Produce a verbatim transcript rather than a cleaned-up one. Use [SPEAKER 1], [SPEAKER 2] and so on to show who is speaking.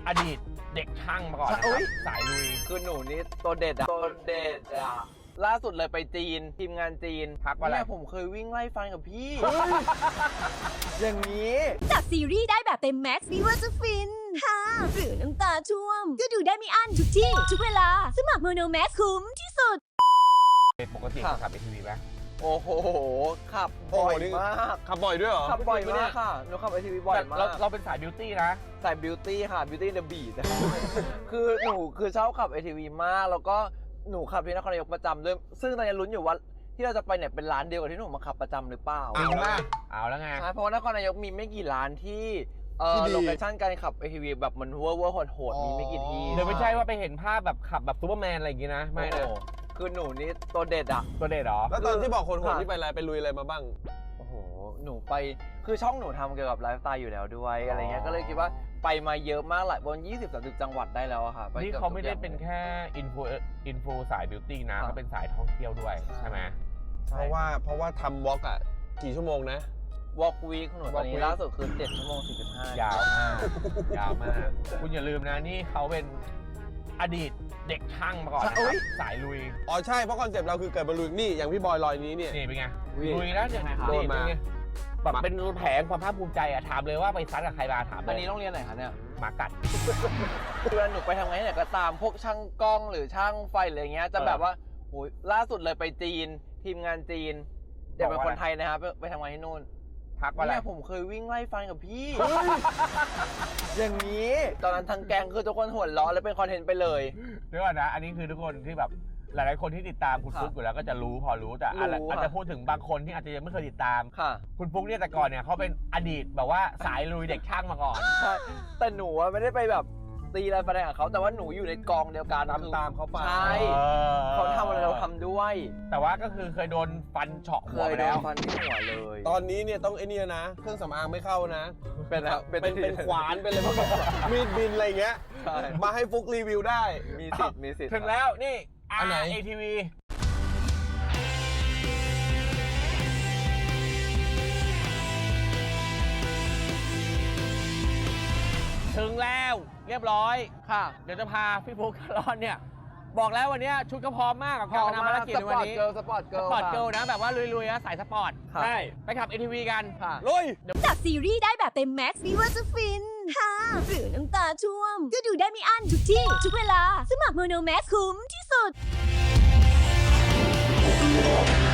[SPEAKER 1] อดีตเด็กช่างมาก่อนนะครับสายลุย
[SPEAKER 2] คือหนูนี่ตัวเด็ดอะตัวเด็ดอะล่าสุดเลยไปจีนทีมงานจีน
[SPEAKER 1] พักว่าอะไร
[SPEAKER 2] เนี่ยผมเคยวิ่งไล่ฟันกับพี่ อย่างนี้
[SPEAKER 3] จากซีรีส์ได้แบบเต็มแม็กซ์ไม่ว่าจะฟินฮ่าหรือน้ำตาช่วมก็ดูได้ไม่อั้นทุกที่ ทุกเวลาสมัครโมโนแม็กซ์คุ้มที่สุด
[SPEAKER 1] ปกติขับ เอ ที วี ไหม
[SPEAKER 2] โอ้โหขับบ่อยมาก
[SPEAKER 4] ขับบ่อยด้วยเหรอ
[SPEAKER 2] ขับบ่อยมากค่ะหนูขับ เอ ที วี บ่อยมาก
[SPEAKER 1] เราเป็นสายบิวตี้นะ
[SPEAKER 2] สายบิวตี้ค่ะบิวตี้เดอะบีทคือหนูคือชอบขับ เอ ที วี มากแล้วก็หนูขับที่นครนายกประจำด้วยซึ่งตอนนี้ลุ้นอยู่ว่าที่เราจะไปเนี่ยเป็นร้านเดียวกับที่หนูมาขับประจำหรือเปล่า
[SPEAKER 4] เอาละ
[SPEAKER 1] เอาแล้วไง
[SPEAKER 2] ใช่เพราะว่านครนายกมีไม่กี่ร้านที่เออโลเคชั่นการขับ เอ ที วี แบบมันเวอร์เวอร์โหดๆมีไม่กี่ที่
[SPEAKER 1] เดี๋ยวไม่ใช่ว่าไปเห็นภาพแบบขับแบบซูเปอร์แมนอะไรอย่างงี้นะไม่นะ
[SPEAKER 2] คือหนูนี่ตัวเด็ดอะ
[SPEAKER 1] ตัวเด็ดหรอ
[SPEAKER 4] แล้วตอนที่บอกคนโหดที่ไปอะไรไปลุยอะไรมาบ้าง
[SPEAKER 2] โอ้โหหนูไปคือช่องหนูทำเกี่ยวกับไลฟ์สไตล์อยู่แล้วด้วยอะไรเงี้ยก็เลยคิดว่าไปมาเยอะมากหลายบน ยี่สิบ สามสิบ จังหวัดได้แล้วอะค่ะ
[SPEAKER 1] นี่เขาไม่ได้เป็นแค่อินฟูอินฟูสายบิวตี้นะเขาเป็นสายท่องเที่ยวด้วยใช่ไหม
[SPEAKER 4] เพราะว่าเพราะว่าทำวอล์กอะกี่ชั่วโมงนะ
[SPEAKER 2] วอล์กวีคของหนูตอนนี้ล่าสุดคือเจ็ดชั่วโมงสี่สิบห้าย
[SPEAKER 1] าวมากยาวมากคุณอย่าลืมนะนี่เขาเป็นอดีตเด็กช่างมาก่อนนะครับสายลุย
[SPEAKER 4] อ๋อใช่เพราะคอนเซ็ปต์เราคือเกิดมาลุยนี่อย่างพี่บอยลอยนี้เนี่ย
[SPEAKER 1] นี่เป็นไงลุยแล้วเนี่ย
[SPEAKER 4] โดนมา
[SPEAKER 1] แบบเป็นแผงความภาคภูมิใจอะถามเลยว่าไปซัดกับใครมาถาม
[SPEAKER 2] อันนี้โรงเรียนไหนคะเนี่ย
[SPEAKER 1] หมากัด
[SPEAKER 2] คือหนูไปทำไงเนี่ยก็ตามพวกช่างกล้องหรือช่างไฟอะไรเงี้ยจะแบบว่าโอ้ยล่าสุดเลยไปจีนทีมงานจีนเดี๋ยวเป็นคนไทยนะครับไปทำงานที่นู่น
[SPEAKER 1] พักว่าอะไร
[SPEAKER 2] เนี่ยผมเคยวิ่งไล่ฟันกับพี่ อย่างนี้ตอนนั้นทางแกงคือทุกคนหัวเราะแล้วเป็นคอนเทนต์ไปเลย
[SPEAKER 1] เดี๋ยวก่อนนะอันนี้คือทุกคนที่แบบหลายๆคนที่ติดตามคุณฟุ๊กอยู่แล้วก็จะรู้พอรู้แต่อาจจะพูดถึงบางคนที่อาจจะยังไม่เคยติดตามคุณฟุ๊กเนี่ยแต่ก่อนเนี่ยเขาเป็นอดีตแบบว่าสายลุยเด็กช่างมาก่อน
[SPEAKER 2] ใช่แต่หนูไม่ได้ไปแบบตีอะไรไปกับเขาแต่ว่าหนูอยู่ในกองเดียวกัน
[SPEAKER 4] ตามตามเขาไป
[SPEAKER 2] ใช่เขาทำอะไรเราทำด้วย
[SPEAKER 1] แต่ว่าก็คือเคยโดนฟันเฉาะหัวไปแล้ว
[SPEAKER 2] ฟันที่หัวเลย
[SPEAKER 4] ตอนนี้เนี่ยต้องไอ้นี่นะเครื่องสำอางไม่เข้านะ
[SPEAKER 2] เป็น
[SPEAKER 4] เป็นเป็นขวานเป็นอะไรแบบมีดบินอะไรเงี้ยมาให้ฟุกรีวิวได้
[SPEAKER 2] มีสิทธิ์มีสิทธิ์
[SPEAKER 1] ถึงแล้วนี่
[SPEAKER 4] อันไหน
[SPEAKER 1] เอ ที วี ถึงแล้วเรียบร้อย
[SPEAKER 2] ค่ะ
[SPEAKER 1] เดี๋ยวจะพาพี่ฟุ๊กคารอนเนี่ยบอกแล้ววันนี้ชุดก็พร้อมมากกับการทำภารกิจในวันนี้
[SPEAKER 2] สปอร์ตเกิร์ล
[SPEAKER 1] สปอร์ตเกิร์ลนะแบบว่าลุยๆนะสายสปอร์ต
[SPEAKER 2] ใช่
[SPEAKER 1] ไปขับ เอ ที วี กัน
[SPEAKER 4] ลุย
[SPEAKER 3] จากซีรีส์ได้แบบเต็มแม็กซ์ไม่ว่าจะฟินฮ่าหรือน้ำตาช่วมก็ดูได้ไม่อั้นทุกที่ ทุกเวลาสมัครโมโนแม็กซ์คุ้มที่สุด